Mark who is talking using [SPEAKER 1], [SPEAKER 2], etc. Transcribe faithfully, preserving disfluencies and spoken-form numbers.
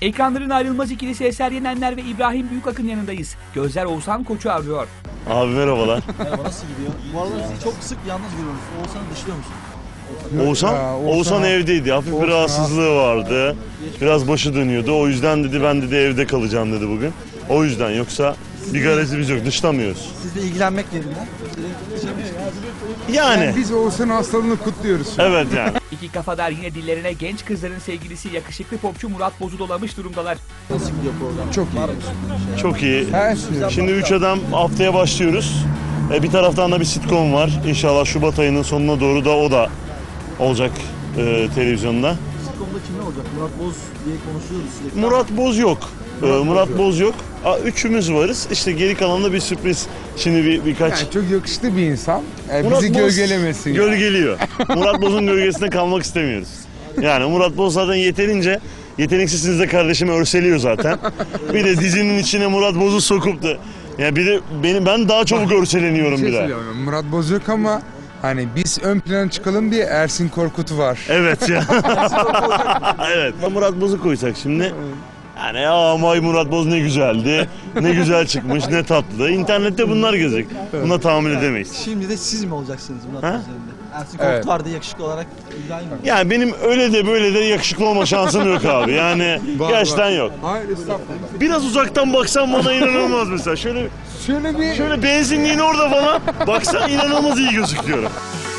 [SPEAKER 1] Ekranların ayrılmaz ikilisi Eser Yenenler ve İbrahim Büyükak'ın yanındayız. Gözler Oğuzhan Koç'u arıyor.
[SPEAKER 2] Abi merhabalar.
[SPEAKER 3] Merhaba, nasıl gidiyor? Bu aralar sizi çok sık yalnız görüyoruz. Oğuzhan'ı dışlıyor musun?
[SPEAKER 2] Oğuzhan,
[SPEAKER 4] Ya, Oğuzhan-
[SPEAKER 2] Oğuzhan evdeydi. Hafif bir
[SPEAKER 4] Oğuzhan-
[SPEAKER 2] rahatsızlığı vardı. Biraz başı dönüyordu. O yüzden dedi ben dedi evde kalacağım dedi bugün. O yüzden, yoksa bir garezimiz yok. Dışlamıyoruz.
[SPEAKER 3] Sizle ilgilenmek yerinden.
[SPEAKER 2] Yani.
[SPEAKER 4] Yani biz Oğuzhan'ın hastalığını kutluyoruz.
[SPEAKER 2] Evet yani.
[SPEAKER 1] İki kafadar yine dillerine genç kızların sevgilisi yakışıklı popçu Murat Boz'u dolamış durumdalar.
[SPEAKER 3] Nasıl gidiyor program?
[SPEAKER 4] Çok iyi.
[SPEAKER 3] Var mı?
[SPEAKER 2] Çok iyi.
[SPEAKER 4] Her şey.
[SPEAKER 2] Şimdi Üç Adam haftaya başlıyoruz. E, bir taraftan da bir sitcom var. İnşallah Şubat ayının sonuna doğru da o da olacak e, televizyonda.
[SPEAKER 3] Sitcom'da kimler olacak? Murat Boz diye konuşuyoruz sürekli.
[SPEAKER 2] Murat Boz yok. E, Murat Boz yok. A, üçümüz varız. İşte geri kalan da bir sürpriz. Şimdi bir birkaç...
[SPEAKER 4] Yani çok yakışıklı bir insan. Ee,
[SPEAKER 2] Murat
[SPEAKER 4] bizi
[SPEAKER 2] Boz
[SPEAKER 4] gölgelemesin. yani.
[SPEAKER 2] Gölgeliyor. Murat Boz'un gölgesinde kalmak istemiyoruz. Yani Murat Boz zaten yeterince yeteneksizsiniz de kardeşimi örseliyor zaten. Bir de dizinin içine Murat Boz'u sokup da yani bir de benim ben daha çabuk örseleniyorum
[SPEAKER 4] Bir şey
[SPEAKER 2] bir de.
[SPEAKER 4] söyleyeyim. Murat Boz yok ama hani biz ön plana çıkalım diye Ersin Korkut var.
[SPEAKER 2] Evet ya. Evet. Murat Boz'u koysak şimdi. Yani ya ama Murat Boz ne güzeldi. Ne güzel çıkmış, ne tatlı. İnternette bunlar gezecek. Buna tahammül edemeyiz.
[SPEAKER 3] Şimdi de siz mi olacaksınız Murat
[SPEAKER 2] Ha?
[SPEAKER 3] Boz yerinde? Ersin Korkut
[SPEAKER 4] Evet.
[SPEAKER 3] vardı yakışıklı olarak. İbrahim mi?
[SPEAKER 2] Yani benim öyle de böyle de yakışıklı olma şansım yok abi. Yani
[SPEAKER 4] Var,
[SPEAKER 2] gerçekten
[SPEAKER 4] var.
[SPEAKER 2] yok.
[SPEAKER 4] Hayır estağfurullah.
[SPEAKER 2] Biraz uzaktan baksan bana inanılmaz mesela. Şöyle
[SPEAKER 4] Şöyle bir
[SPEAKER 2] şöyle benzinliğin orada falan baksan inanılmaz iyi gözüküyorum.